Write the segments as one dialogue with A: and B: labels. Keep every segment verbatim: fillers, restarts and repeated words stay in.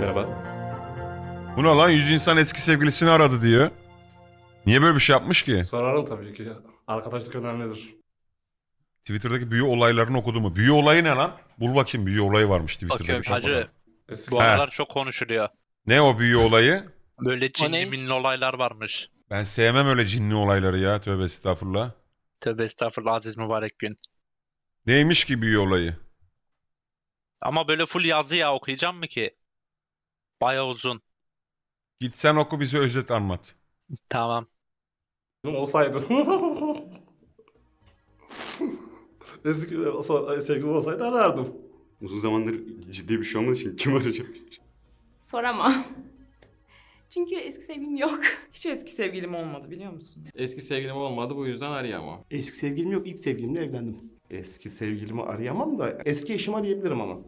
A: Merhaba.
B: Bu ne lan? Yüz insan eski sevgilisini aradı diyor. Niye böyle bir şey yapmış ki?
C: Sorarım tabii ki. Arkadaşlık önemlidir.
B: Twitter'daki büyü olaylarını okudu mu? Büyü olayı ne lan? Bul bakayım, büyü olayı varmış Twitter'da.
D: Bakıyorum
B: bir tane.
D: hacı.
C: Eski
D: Bu
B: He.
D: aralar çok konuşuluyor.
B: Ne o büyü olayı?
D: Böyle
A: ne?
D: cinli minli olaylar varmış.
B: Ben sevmem öyle cinli olayları ya. Tövbe estağfurullah.
D: Tövbe estağfurullah aziz mübarek gün.
B: Neymiş ki büyü olayı?
D: Ama böyle full yazı ya okuyacağım mı ki? Baya uzun.
B: Git sen oku, bize özet anlat.
D: Tamam.
C: olsaydı. Eski olsa- sevgilim olsaydı arardım.
A: Uzun zamandır ciddi bir şey olmadığı için kim arayacak?
E: Soramam. Çünkü eski sevgilim yok.
F: Hiç eski sevgilim olmadı biliyor musun?
C: Eski sevgilim olmadı, bu yüzden arayamam.
G: Eski sevgilim yok, ilk sevgilimle evlendim. Eski sevgilimi arayamam da eski eşimi arayabilirim ama.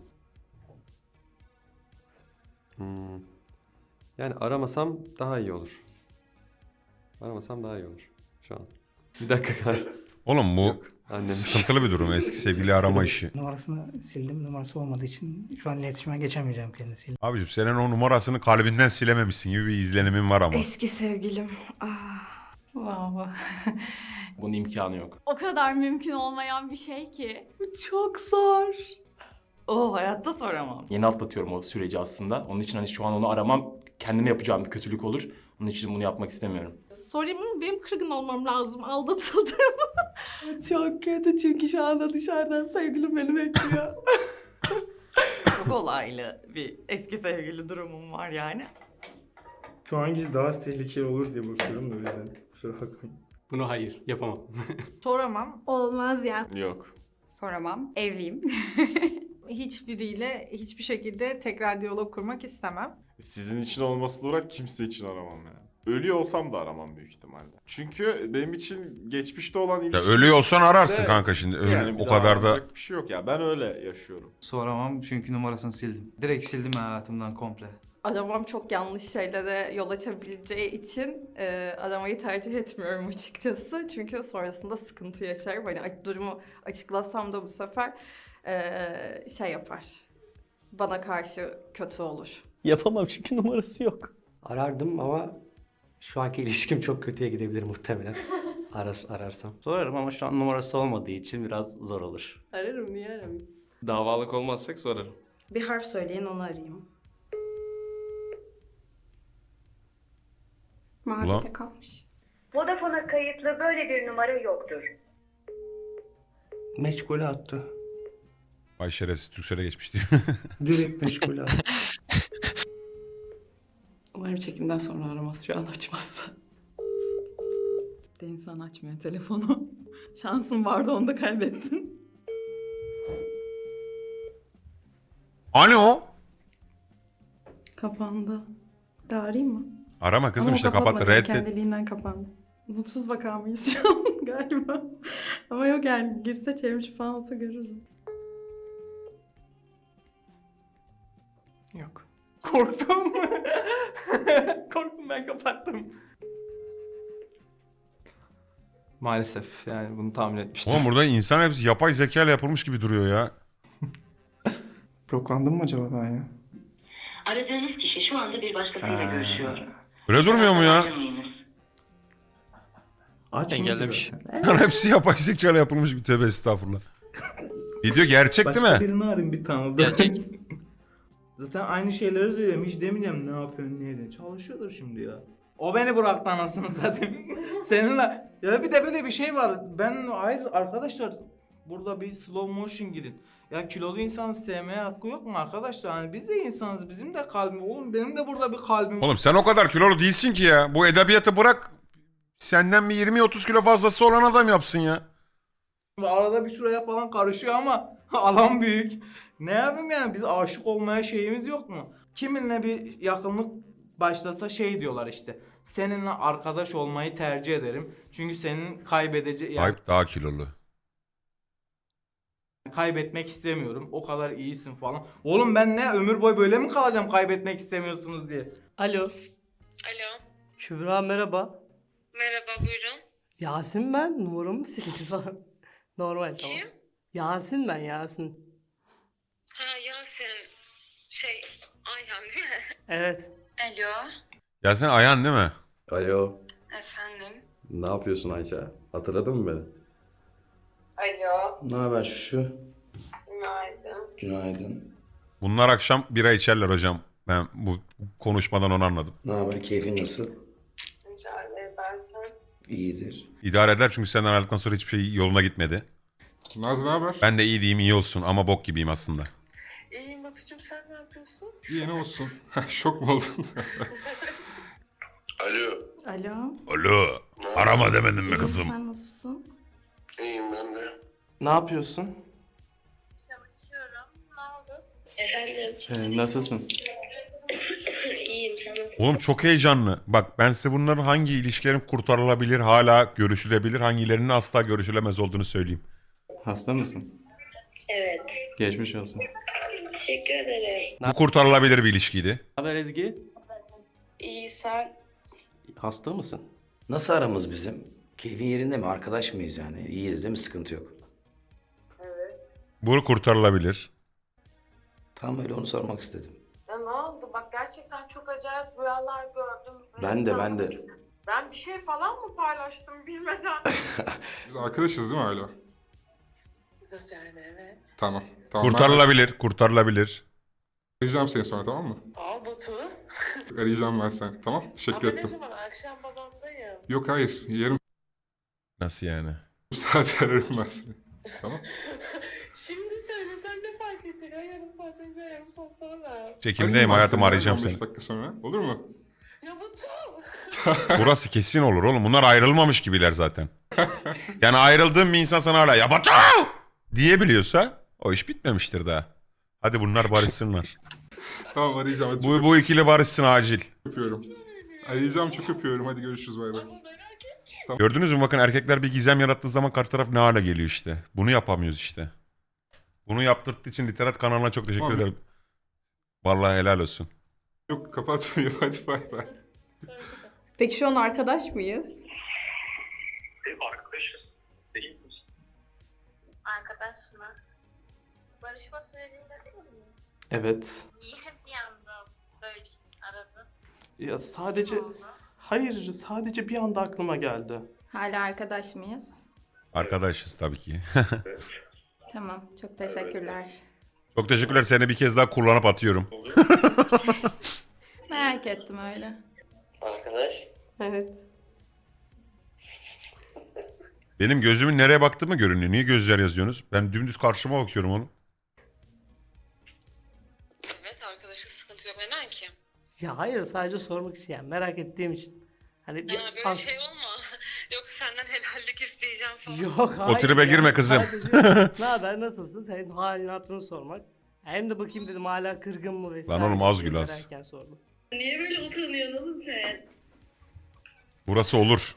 H: Hmm. Yani aramasam daha iyi olur. Aramasam daha iyi olur şu an. Bir dakika kar.
B: Oğlum bu
H: Yok. Annem.
B: sıkıntılı bir durum, eski sevgili arama işi.
I: Numarasını sildim. Numarası olmadığı için şu an iletişime geçemeyeceğim kendisiyle.
B: Abicim senin o numarasını kalbinden silememişsin gibi bir izlenimin var ama.
E: Eski sevgilim. Ah.
F: Wow.
C: Bunun imkanı yok.
J: O kadar mümkün olmayan bir şey ki.
F: Bu çok zor. O hayatta soramam.
C: Yeni atlatıyorum o süreci aslında. Onun için hani şu an onu aramam kendime yapacağım bir kötülük olur. Onun için bunu yapmak istemiyorum.
E: Sorayım mı? Benim kırgın olmam lazım. Aldatıldım.
F: Çok kötü çünkü şu anda dışarıdan sevgilim beni bekliyor. Çok olaylı bir eski sevgili durumum var yani.
G: Şu hangisi daha az tehlikeli olur diye bakıyorum da o yüzden. Kusura bakmayın.
A: Bunu hayır yapamam.
F: Soramam.
E: Olmaz ya.
A: Yok.
E: Soramam. Evliyim.
F: Hiçbiriyle hiçbir şekilde tekrar diyalog kurmak istemem.
K: Sizin için olmasına uğrak kimse için aramam yani. Ölüyor olsam da aramam büyük ihtimalle. Çünkü benim için geçmişte olan
B: Ya
K: ilişki...
B: ölüyor olsan ararsın
K: de-
B: kanka şimdi. Öyle,
K: Yani bir
B: o
K: daha
B: kadar da.
K: aranacak bir şey yok ya. Ben öyle yaşıyorum.
G: Soramam çünkü numarasını sildim. Direkt sildim hayatımdan komple.
E: Aramam çok yanlış şeylere yol açabileceği için e, aramayı tercih etmiyorum açıkçası. Çünkü sonrasında sıkıntı yaşarım. Hani a- durumu açıklasam da bu sefer e, şey yapar. Bana karşı kötü olur.
I: Yapamam çünkü numarası yok.
G: Arardım ama şu anki ilişkim çok kötüye gidebilir muhtemelen. Arar, ararsam.
L: Sorarım ama şu an numarası olmadığı için biraz zor olur.
E: Ararım, niye aramayayım?
A: Davalık olmazsak sorarım.
F: Bir harf söyleyin onu arayayım.
B: Ulan.
E: kalmış.
J: Vodafone'a kayıtlı böyle bir numara yoktur.
G: Meşgule attı.
B: Ay şerefsiz, Türkcell'e geçmiş diyor.
G: Direkt meşgule attı.
F: Umarım çekimden sonra aramaz şu an açmazsa. De insan açmıyor telefonu. Şansın vardı onu da kaybettin.
B: Alo.
F: Kapandı. De arayayım mı?
B: Arama kızım,
F: Ama o
B: işte kapattı,
F: kapatmadı,
B: reddet.
F: kendiliğinden kapandı. Mutsuz vaka mıyız şu an galiba? Ama yok yani girse çevrimiçi falan olsa görürüm. Yok. Korktum. Korktum, ben kapattım.
A: Maalesef yani bunu tahmin etmiştim.
B: Oğlum burada insan hepsi yapay zeka ile yapılmış gibi duruyor ya.
G: Bloklandım mı acaba ben ya?
J: Aradığınız kişi şu anda bir başkasıyla görüşüyor.
B: Öyle durmuyor mu ya?
J: Aramayınız.
G: Aç
A: Engellemiş.
B: Hepsi yapay zeka ile yapılmış bir, tövbe estağfurullah. Video gerçek değil mi?
G: birini arayayım bir tane.
D: Gerçek.
G: Zaten aynı şeyleri söylüyorum. Hiç demeyeceğim ne yapıyorsun ne ediyorsun. Çalışıyordur şimdi ya. O beni bıraktı anasını zaten. Seninle. Ya bir de böyle bir şey var. Ben hayır arkadaşlar. Burada bir slow motion girin. Ya kilolu insan sevmeye hakkı yok mu arkadaşlar? Hani biz de insanız. Bizim de kalbim. Oğlum benim de burada bir kalbim.
B: Oğlum sen o kadar kilolu değilsin ki ya. Bu edebiyatı bırak. Senden bir yirmi otuz kilo fazlası olan adam yapsın ya.
G: Arada bir şuraya falan karışıyor ama alan büyük. Ne yapayım yani biz aşık olmaya şeyimiz yok mu? Kiminle bir yakınlık başlasa şey diyorlar işte. Seninle arkadaş olmayı tercih ederim. Çünkü senin kaybedece yani
B: Ayıp daha kilolu.
G: kaybetmek istemiyorum. O kadar iyisin falan. Oğlum ben ne ömür boyu böyle mi kalacağım kaybetmek istemiyorsunuz diye.
I: Alo.
J: Alo.
I: Kübra merhaba.
J: Merhaba, buyurun.
I: Yasin ben. Numaramı sildi falan. Normal tamam.
J: Kim?
I: Yasin ben Yasin.
J: Ha, Yasin. Şey, ay Ayhan değil mi?
I: Evet.
J: Alo.
B: Ya sen Ayhan değil mi?
H: Alo.
J: Efendim.
H: Ne yapıyorsun Ayça? Hatırladın mı beni?
J: Alo.
H: Ne haber şu?
J: Günaydın.
H: Günaydın.
B: Bunlar akşam bira içerler hocam. Ben bu konuşmadan onu anladım.
H: Ne haber? Keyfin nasıl?
J: Mücadele edersen.
H: İyidir.
B: İdare eder çünkü senden ayrıldıktan sonra hiçbir şey yoluna gitmedi.
K: Naz ne haber?
B: Ben de iyi diyeyim iyi olsun ama bok gibiyim aslında.
J: İyiyim Batucuğum, sen ne yapıyorsun?
K: İyi ne olsun. Şok mu oldun?
J: Alo.
E: Alo.
B: Alo. Arama demedim mi
E: İyiyim,
B: kızım?
E: sen nasılsın?
J: İyiyim ben de.
L: Ne yapıyorsun?
J: Çalışıyorum. Ne oldu? Efendim.
L: Ee, nasılsın?
J: İyiyim, sen nasılsın?
B: Oğlum çok heyecanlı. Bak ben size bunların hangi ilişkilerin kurtarılabilir, hala görüşülebilir, hangilerinin asla görüşülemez olduğunu söyleyeyim.
L: Hasta mısın?
J: Evet.
L: Geçmiş olsun.
J: Teşekkür ederim.
B: Bu kurtarılabilir bir ilişkiydi.
L: Ne haber Ezgi?
J: İyi, sen?
L: Hasta mısın?
M: Nasıl aramız bizim? Keyfin yerinde mi? Arkadaş mıyız yani? İyiyiz değil mi? Sıkıntı yok.
J: Evet.
B: Bu kurtarılabilir.
M: Tam öyle onu sormak istedim.
J: Ya ne oldu? Bak gerçekten çok acayip rüyalar gördüm.
M: Ben de ben de.
J: Ben bir şey falan mı paylaştım bilmeden?
K: Biz arkadaşız değil mi hala?
J: Nasıl yani, evet.
K: Tamam. Tamam.
B: Kurtarılabilir, kurtarılabilir.
K: Ben arayacağım seni sonra, tamam mı?
J: Aa Batu.
K: Arayacağım ben seni. Tamam. Teşekkür
J: Ama
K: ettim.
J: ne zaman? Akşam babamdayım.
K: Yok hayır. Yarım
B: Nasıl yani?
K: saat ararım ben seni. Tamam.
J: Şimdi söylesen ne fark edecek? Ay, yarım saat önce, yarım saat sonra.
B: Çekimdeyim
K: Arayayım ben
B: hayatım,
K: seni,
B: arayacağım
K: on beş
B: seni.
K: dakika sonra. Olur mu?
J: Ya Batu.
B: Burası kesin olur oğlum. Bunlar ayrılmamış gibiler zaten. Yani ayrıldığım bir insan sana hala ya Batu diyebiliyorsa o iş bitmemiştir daha. Hadi bunlar barışsınlar.
K: Tamam arayacağım. Hadi
B: Bu, bu ikili barışsın acil.
K: çok öpüyorum. Arayacağım, çok öpüyorum. Hadi görüşürüz, bay bay.
B: Gördünüz mü bakın, erkekler bir gizem yarattığı zaman karşı taraf ne hale geliyor işte. Bunu yapamıyoruz işte. Bunu yaptırdığı için Literat kanalına çok teşekkür
K: Tamam.
B: ederim. Vallahi helal olsun.
K: Yok kapatmıyorum. Hadi bay bay.
E: Peki şu an arkadaş mıyız?
J: Arkadaşız. Değil misin? Arkadaş mı? Barışma sürecinde değil miyiz?
L: Evet.
J: Niye bir anda böyle bir şey aradın?
L: Ya sadece...
J: Ne oldu?
L: Hayır, sadece bir anda aklıma geldi.
E: Hala arkadaş mıyız?
B: Arkadaşız tabii ki.
E: Tamam, çok teşekkürler.
B: Çok teşekkürler, seni bir kez daha kullanıp atıyorum.
E: Merak ettim öyle.
J: Arkadaş.
E: Evet.
B: Benim gözümün nereye baktığımı görünüyor. Niye gözler yazıyorsunuz? Ben dümdüz karşıma bakıyorum oğlum.
J: Evet, arkadaşız, sıkıntı yok. Neden ki?
I: Ya hayır, sadece sormak isteyen, merak ettiğim için. Hani bir
J: Ya böyle
I: as-
J: şey olma. Yok senden helallik isteyeceğim falan.
I: Yok hayır.
B: tribe
I: ya,
B: girme kızım.
I: sadece ne haber, nasılsın? Senin halini hatırını sormak. Hem de bakayım dedim hala kırgın mı vesaire.
B: Lan oğlum az
I: diye
B: gül az.
I: merakken sordum.
J: Niye böyle utanıyorsun oğlum sen?
B: Burası olur.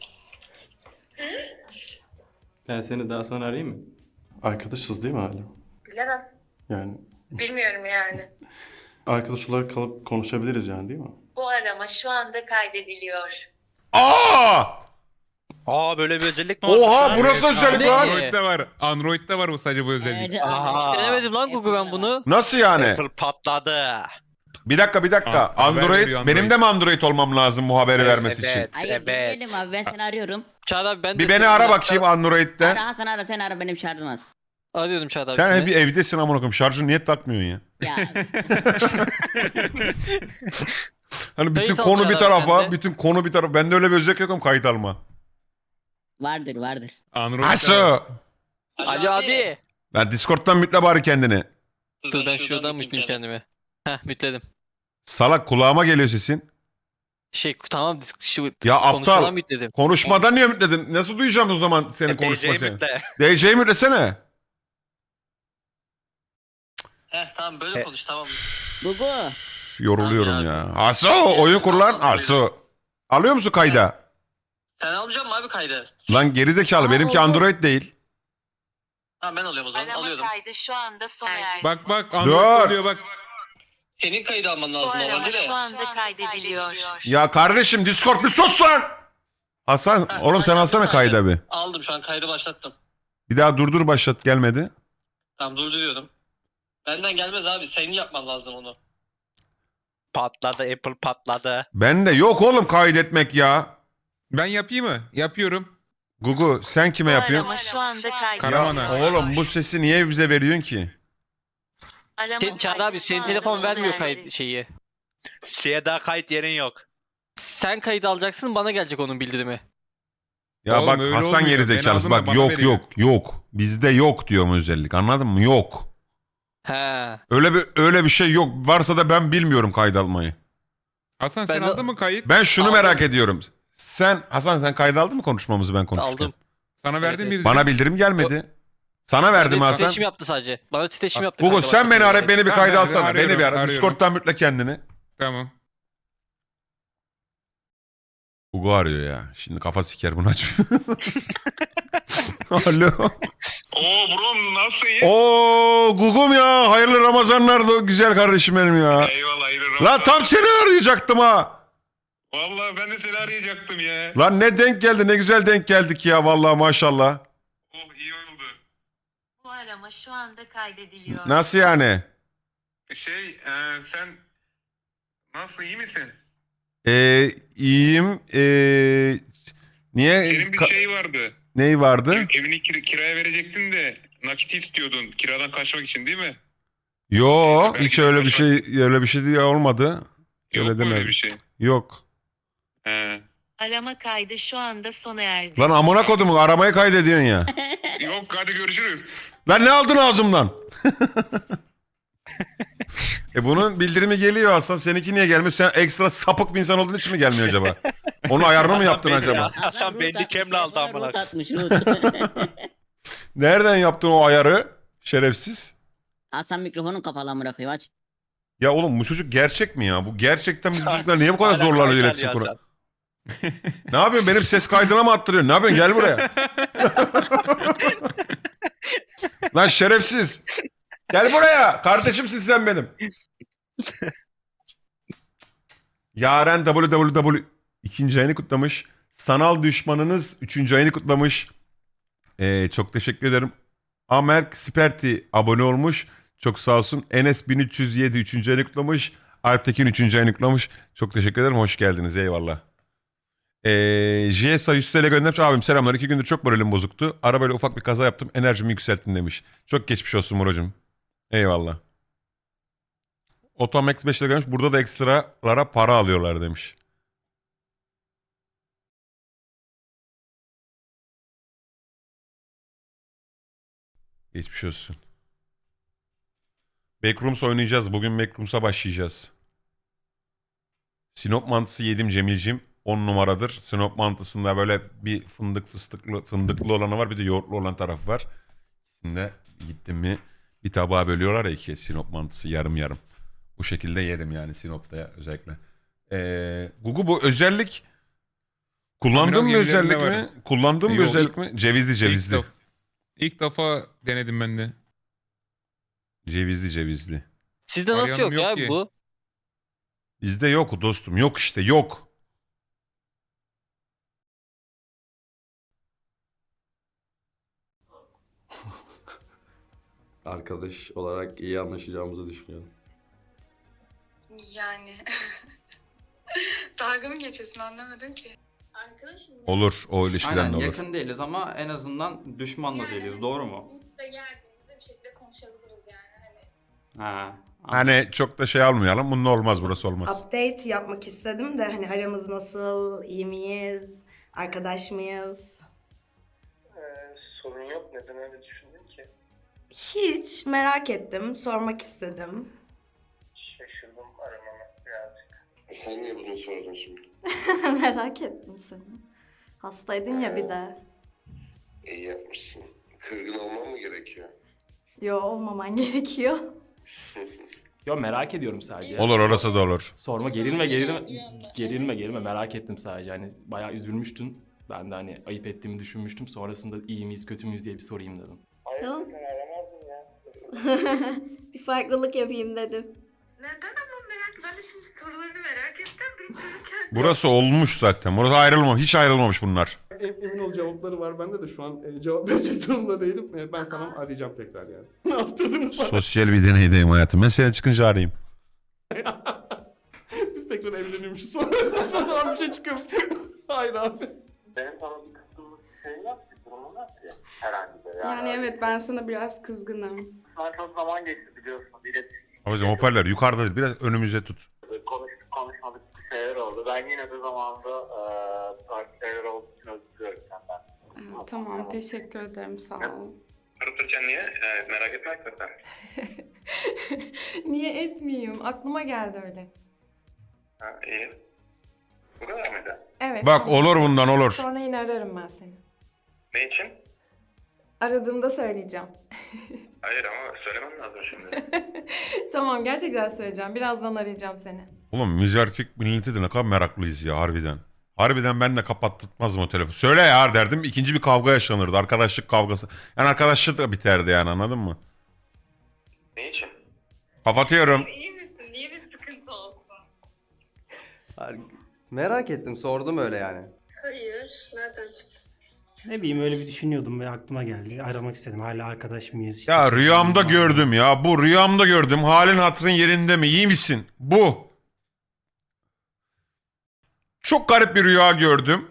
L: Ben seni daha sonra arayayım mı?
N: Arkadaşız değil mi hala?
J: Bilemem.
N: Yani
J: Bilmiyorum yani.
N: arkadaş olarak kalıp konuşabiliriz yani değil mi?
J: Bu arama şu anda kaydediliyor.
B: Aa!
D: Aa böyle bir özellik mi var?
B: Oha, burası özellik lan.
O: Android'de var. Android'de var bu sadece bu özellik.
D: Aha.
O: Hiç denemedim lan Google ben bunu.
B: Nasıl yani?
D: Apple patladı.
B: Bir dakika bir dakika.
O: Aa, haber
B: Android,
O: veriyor Android.
B: benim de mi Android olmam lazım bu haberi vermesi için?
D: Evet,
P: Hayır
D: evet.
P: demeyelim abi, ben seni arıyorum.
O: Çağat abi ben de
B: Bir beni
O: seni-
B: ara bakayım Android'de.
P: Ara Hasan, ara sen ara, benim şarjım az.
O: Arıyordum Çağat abi
B: Sen
O: seni.
B: hep bir evdesin amına koyayım. Şarjını niye takmıyorsun ya?
P: Ya
B: Hani bütün
O: Kayıt al
B: konu bir
O: Çağat abi
B: tarafa,
O: sen de.
B: bütün konu bir tarafa. Bende öyle bir özellik yok ama kayıt alma.
P: vardır vardır.
O: Android'de var.
B: Asu!
O: Ali abi.
B: Lan Discord'dan mütle bari kendini.
O: Dur ben şuradan mütleyeyim kendimi. Heh mütledim.
B: Salak, kulağıma geliyor sesin.
O: Şey tamam disk şu
B: Ya
O: konuşmadan
B: aptal.
O: mütledim.
B: Konuşmadan niye mütledin? Nasıl duyacağım o zaman senin
D: D J'yi
B: konuşmasını?
D: mütle.
B: D J'yi mütlesene.
O: Heh tamam böyle konuş tamam.
P: Gugu.
B: Yoruluyorum
O: Abi,
B: ya. Asu, oyun kur lan. Asu. Alıyor musun kayda?
O: Sen almayacak mısın abi kaydı?
B: Lan gerizekalı, benimki Android değil.
O: Tamam ben alıyorum o zaman
J: Arama kaydı şu anda sona erdi.
O: Bak bak
B: Android Dur. oluyor,
O: bak. Senin kaydı alman
J: Bu
O: lazım
J: arama
O: normalde
J: şu
O: de.
J: anda kaydediliyor.
B: Ya kardeşim, Discord bir sus lan. Hasan,
O: Heh,
B: oğlum sen
O: başlattım
B: alsana kayda
O: kaydı.
B: bir.
O: Aldım şu an kaydı başlattım.
B: Bir daha durdur başlat, gelmedi.
O: Tamam durduruyorum. Benden gelmez abi senin yapman lazım onu.
D: Patladı, Apple patladı.
B: Ben de yok oğlum kaydetmek ya.
Q: Ben yapayım mı? Yapıyorum.
B: Gugu sen kime yapıyorsun?
R: Arama şu anda kaydı.
Q: Karaman'a.
B: Oğlum bu sesi niye bize veriyorsun ki?
O: Sen, Çağrı abi senin telefon vermiyor kayıt şeyi.
D: Şeye daha kayıt yerin yok.
O: Sen kayıt alacaksın bana gelecek onun bildirimi.
B: Ya
Q: Oğlum
B: bak
Q: öyle
B: Hasan
Q: olmuyor.
B: gerizekalısı
Q: Ben
B: bak
Q: aldım da
B: yok
Q: bana veriyor.
B: yok yok. Bizde yok diyorum özellik anladın mı? Yok.
O: He.
B: Öyle bir öyle bir şey yok. Varsa da ben bilmiyorum kayıt almayı.
Q: Hasan
O: Ben
Q: sen
O: de-
Q: aldın mı kayıt?
B: Ben şunu
O: Aldım.
B: merak ediyorum. Sen Hasan sen kayıt aldın mı konuşmamızı ben konuşurken?
O: Aldım.
Q: Sana verdim
O: evet.
Q: bir.
B: Bana bildirim gelmedi. Sana verdim
O: Bana
B: Hasan.
O: titreşim yaptı sadece. Bana titreşim yaptı.
B: Gugu
O: kanka,
B: sen
O: başka
B: beni
O: türlü.
B: ara beni bir
Q: Tamam,
B: kayda
Q: ben
B: alsana.
Q: arıyorum,
B: Beni bir ara.
Q: arıyorum.
B: Discord'dan mütle kendini.
Q: Tamam.
B: Gugu arıyor ya. Şimdi kafa siker bunu açmıyor. Alo.
S: Oo bro nasılsın?
B: Oo Gugum ya. Hayırlı Ramazanlar da güzel kardeşim benim ya.
S: Eyvallah hayırlı
B: Lan
S: Ramazan.
B: tam seni arayacaktım ha.
S: Vallahi ben de seni arayacaktım ya.
B: Lan ne denk geldi ne güzel denk geldik ya vallahi maşallah.
S: Oh iyi oldu.
R: Bu arama şu anda kaydediliyor.
B: Nasıl yani?
S: Şey e, sen nasıl iyi misin?
B: Ee, iyiyim. Ee, niye?
S: Senin bir
B: Ka-
S: şey vardı.
B: Ney vardı?
S: Evini kir- kiraya verecektin de nakit istiyordun kiradan kaçmak için değil mi?
B: Yo
S: Belki
B: hiç
S: de
B: öyle bir
S: kaçmak-
B: şey öyle bir şey diye olmadı.
S: Yok
B: Öyle
S: mu öyle
B: demedim.
S: bir şey?
B: Yok.
S: He.
R: Arama kaydı şu anda sona erdi.
B: Lan amına kodumu aramayı kaydediyorsun ya.
S: Yok hadi görüşürüz.
B: Lan ne aldın ağzımdan? e bunun bildirimi geliyor aslında. Seninki niye gelmiyor? Sen ekstra sapık bir insan olduğun için mi gelmiyor acaba? Onun ayarını mı yaptın
D: Beni-
B: acaba?
D: Hasan
P: root
D: beni
P: atmış,
D: kemle aldı
P: telefona
D: amına.
P: root atmış root.
B: Nereden yaptın o ayarı? Şerefsiz.
P: Hasan mikrofonun kapalı amına koyayım aç.
B: Ya oğlum bu çocuk gerçek mi ya? Bu gerçekten bizim çocuklar niye bu kadar
D: Hala
B: zorlanıyor
D: kayıt
B: iletişim
D: alıyor
B: kuran? Ne yapıyorsun? Benim ses kaydına mı attırıyorsun? Ne yapıyorsun? Gel buraya. Lan şerefsiz. Gel buraya. Kardeşimsin sen benim. Yaren W W W ikinci ayını kutlamış. Sanal düşmanınız üçüncü ayını kutlamış. Ee, çok teşekkür ederim. Amerk Sperti abone olmuş. Çok sağ olsun. Enes bin üç yüz yedi üçüncü ayını kutlamış. Alptekin üçüncü ayını kutlamış. Çok teşekkür ederim. Hoş geldiniz. Eyvallah. Ee, J S A yüz T L göndermiş. Abim selamlar. İki gündür çok moralim bozuktu. Arabayla ufak bir kaza yaptım. Enerjimi yükselttin demiş. Çok geçmiş olsun Muracığım. Eyvallah. Otomax beş lira gelmiş. Burada da ekstralara para alıyorlar demiş. Geçmiş olsun. Backrooms oynayacağız. Bugün Backrooms'a başlayacağız. Sinop mantısı yedim Cemil'cim. on numaradır. Sinop mantısında böyle bir fındık fıstıklı fındıklı olanı var. Bir de yoğurtlu olan tarafı var. Şimdi gittim mi bir tabağa bölüyorlar ya ikiye Sinop mantısı yarım yarım. Bu şekilde yedim yani Sinop'ta özellikle. Ee, Gugu bu özellik kullandığın
Q: Amiral
B: bir özellik
Q: gemilerinde
B: mi? Kullandığın bir
Q: Yok,
B: özellik mi? Cevizli cevizli.
Q: İlk, def- ilk defa denedim ben de.
B: Cevizli cevizli.
O: Sizde nasıl
Q: Arayanım
O: yok,
Q: yok
O: ya
Q: ki.
O: bu?
B: Bizde yok dostum. Yok işte yok.
H: Arkadaş olarak iyi anlaşacağımızı düşünüyorum.
J: Yani dalga mı geçiyorsun anlamadım ki. Arkadaşım ya.
B: Olur. O ilişkiden
A: Aynen
B: de olur.
A: yakın değiliz ama en azından düşman da değiliz. Doğru mu?
J: Biz de geldiğimizde bir şekilde konuşabiliriz yani hani.
A: Ha.
B: Hani çok da şey almayalım. Bunun olmaz. Burası olmaz.
F: Update yapmak istedim de hani aramız nasıl, iyi miyiz, arkadaş mıyız?
S: sorun yok neden öyle düşündün ki?
F: Hiç merak ettim, sormak istedim.
S: Şaşırdım aramama birazcık.
N: Sen niye bunu sordun şimdi?
F: Merak ettim seni. Hastaydın ya bir de.
N: İyi yapmışsın. Kırgın olmam mı gerekiyor?
F: Yo olmaman gerekiyor.
C: Yo merak ediyorum sadece.
B: Olur orası da olur.
C: Sorma gerilme gerilme. Gerilme gerilme merak ettim sadece. Hani bayağı üzülmüştün. Ben de hani ayıp ettiğimi düşünmüştüm. Sonrasında iyi miyiz kötü müyüz diye bir sorayım dedim.
J: Tamam.
S: Aramazdım ya.
J: Bir farklılık yapayım dedim.
R: Neden ama merak ben de şimdi sorularını merak ettim. Bilmiyorum
B: Burası olmuş zaten. Burası ayrılmamış. Hiç ayrılmamış bunlar.
N: Emin ol cevapları var bende de şu an e, cevap verecek durumda değilim. E, ben sana arayacağım tekrar yani. Ne yaptırdınız bana?
B: Sosyal bir deneydeyim hayatım. Ben seni çıkınca arayayım.
N: biz tekrar evleniyormuşuz falan. Saçma sapan bir şey çıkıyor. Hayır abi.
S: Benim sana bir kısmımlık bir şey yok ki, durumun yok ki herhangi bir.
E: Yani evet ben sana biraz kızgınım.
S: Şu an çok zaman geçti biliyorsun. İletişim
B: Abicim hoparlör yukarıda değil, biraz önümüze tut.
S: konuştuk konuşmadık bir şeyler oldu. Ben yine de zamanında eee farklı şeyler olduğu için özür diliyorum senden.
E: Ee, tamam teşekkür ederim sağ ol.
S: Durup dururken niye? Ee, merak etme hakikaten.
E: Niye etmeyeyim? Aklıma geldi öyle.
S: Ha, iyi. Bu kadar mıydı?
E: Evet.
B: Bak
E: tamam.
B: olur bundan olur.
E: Sonra yine ararım ben seni.
S: Ne için?
E: Aradığımda söyleyeceğim.
S: Hayır ama söylemem lazım şimdi.
E: Tamam gerçekten söyleyeceğim. Birazdan arayacağım seni.
B: Oğlum müzerkik milleti de ne kadar meraklıyız ya harbiden. Harbiden ben de kapattırtmazdım o telefonu. Söyle ya derdim, ikinci bir kavga yaşanırdı. Arkadaşlık kavgası. Yani arkadaşlık da biterdi yani, anladın mı?
S: Ne için?
B: Kapatıyorum.
R: İyi misin? Niye bir sıkıntı olsun?
H: Hayır, merak ettim, sordum öyle yani.
R: Hayır. Nereden çıktı?
I: Ne bileyim öyle bir düşünüyordum ve aklıma geldi. Aramak istedim. Hala arkadaş mıyız? İşte
B: Ya rüyamda gördüm ya. Bu rüyamda gördüm. Halin hatırın yerinde mi? İyi misin? Bu. Çok garip bir rüya gördüm.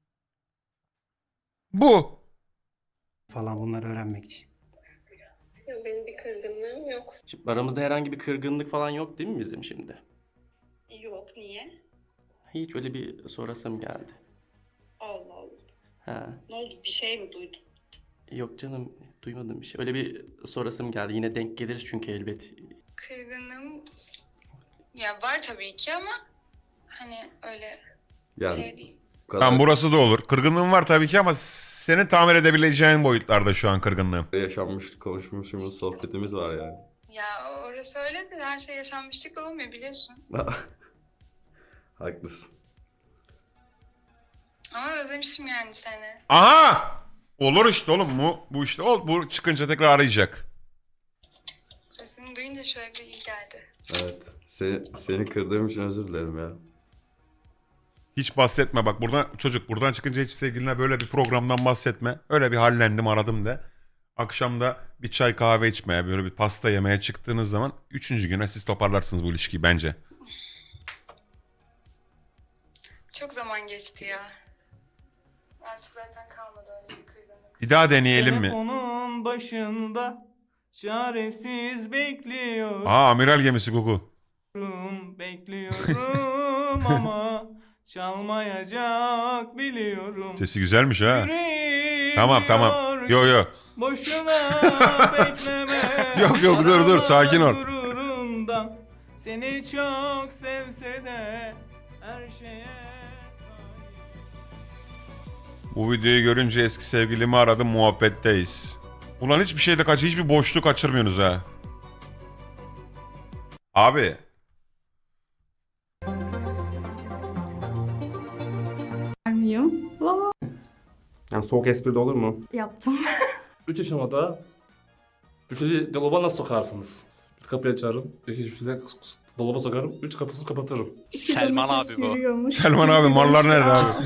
B: Bu.
I: Falan bunları öğrenmek için.
R: Ya benim bir kırgınlığım yok.
C: Şimdi aramızda herhangi bir kırgınlık falan yok değil mi bizim şimdi?
R: Yok niye?
C: Hiç öyle bir sorasım geldi.
R: Allah Allah.
C: Ha.
R: Ne oldu? Bir şey mi duydun?
C: Yok canım, duymadım bir şey. Öyle bir sorasım geldi. Yine denk geliriz çünkü elbet.
R: Kırgınlığım ya var tabii ki ama hani öyle
H: Yani
R: şey değil.
H: bu kadar
B: Tamam burası da olur. Kırgınlığım var tabii ki ama senin tamir edebileceğin boyutlarda şu an kırgınlığım.
H: yaşanmış, konuşmuşumuz, sohbetimiz var yani.
R: Ya orası öyle de her şey yaşanmışlık olmuyor biliyorsun.
H: Haklısın.
R: Ama özlemişim yani seni.
B: Aha! Olur işte oğlum bu. Bu işte ol. Bu çıkınca tekrar arayacak.
R: Sesini duyunca şöyle bir iyi geldi.
H: Evet. Seni, seni kırdığım için özür dilerim ya.
B: Hiç bahsetme bak buradan çocuk buradan çıkınca hiç sevgiline böyle bir programdan bahsetme. Öyle bir hallendim aradım de. Akşam da bir çay kahve içmeye böyle bir pasta yemeye çıktığınız zaman üçüncü güne siz toparlarsınız bu ilişkiyi bence.
R: Çok zaman geçti ya. Artık zaten kalmadı öyle bir kırgınlık.
B: Bir daha deneyelim mi?
G: Telefonun başında çaresiz bekliyorum.
B: Aa amiral gemisi Gugu.
G: Bekliyorum ama çalmayacak biliyorum.
B: Sesi güzelmiş ha.
G: Yüreğim
B: Tamam tamam.
G: diyor
B: Yo yo.
G: Boşuna bekleme.
B: Yok yok dur dur sakin ol.
G: Gururundan seni çok sevse de her şeye
B: Bu videoyu görünce eski sevgilimi aradım, muhabbetteyiz. Ulan hiçbir şeyde kaç, hiçbir boşluk kaçırmıyorsunuz ha. Abi.
E: Vermiyorum.
L: Yani soğuk espri de olur mu?
E: Yaptım.
L: Üç aşamada cüceli dolaba nasıl sokarsınız? Bir kapıyı açarım, iki cüceli dolaba sokarım, üç kapısını kapatırım.
D: Selman abi bu.
B: Selman abi mallar nerede abi?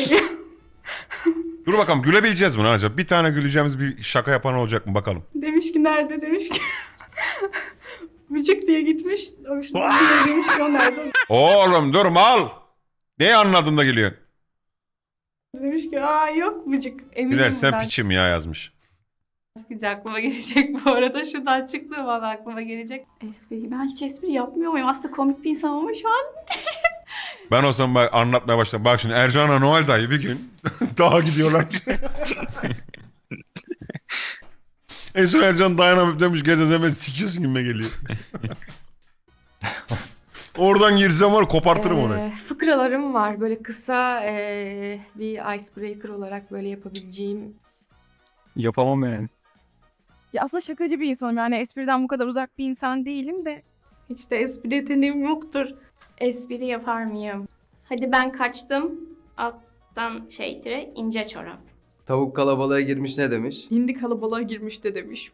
B: Dur bakalım gülebileceğiz mi lan acaba? Bir tane güleceğimiz bir şaka yapan olacak mı bakalım.
E: Demiş ki nerede demiş ki. Vıcık diye gitmiş. Hoşuna demiş ki o nerede?
B: Oğlum dur mal. Neyi anladın da gülüyorsun?
E: Demiş ki aa yok Vıcık. Eminim
B: Gülersen
E: buradan
B: piçim ya yazmış.
E: çıkacak aklıma gelecek bu arada. Şuradan çıktığı bana aklıma gelecek. Espri. Ben hiç espri yapmıyor muyum? Aslında komik bir insanım ama şu an
B: Ben o zaman bak anlatmaya başladım. Bak şimdi Ercan'la Noel dayı bir gün dağa gidiyorlar. En son Ercan dayanamıp demiş gece hemen sikiyorsun gibime geliyor. Oradan girsem var kopartırım onu.
T: Ee, fıkralarım var. Böyle kısa ee, bir icebreaker olarak böyle yapabileceğim.
U: Yapamam yani.
T: Ya aslında şakacı bir insanım. Yani espriden bu kadar uzak bir insan değilim de.
E: hiç de espri yeteneğim yoktur. Espri yapar mıyım? Hadi ben kaçtım. Alttan şey tire ince çorap.
H: Tavuk kalabalığa girmiş ne demiş?
T: Hindi kalabalığa girmiş de demiş.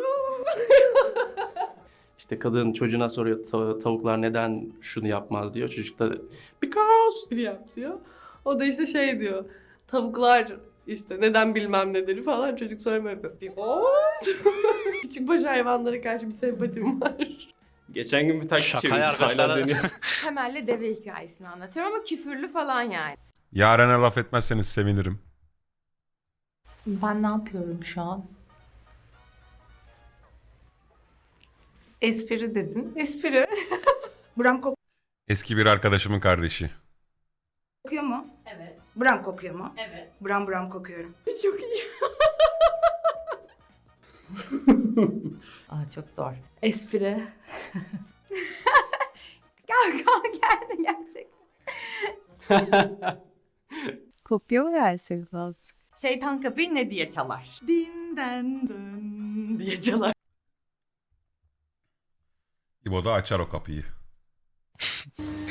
C: İşte kadın çocuğuna soruyor "Ta- tavuklar neden şunu yapmaz diyor. Çocuk da because
F: Bir yap diyor. O da işte şey diyor. Tavuklar işte neden bilmem nedir falan çocuk sonra böyle yapıyor. Because. Küçük baş hayvanlara karşı bir sempatim var.
M: Geçen gün bir taksi
D: Şaka
M: çevirdik. Hala
D: arkadaşlar.
M: dönüyor.
T: Temelli deve hikayesini anlatıyorum ama küfürlü falan yani.
B: Yaren'e laf etmezseniz sevinirim.
F: Ben ne yapıyorum şu an? Espri dedin. Espri.
V: Buram
B: Eski bir arkadaşımın kardeşi.
V: kokuyor mu?
F: Evet.
V: Buram kokuyor mu?
F: Evet.
V: Buram buram kokuyorum.
F: Çok iyi. Aa, çok zor. Espri.
T: Gel gel geldi gerçekten.
F: Kopya mı versek azıcık? Şeytan kapıyı ne diye çalar? Dinden dön diye çalar.
B: İbo da açar o kapıyı.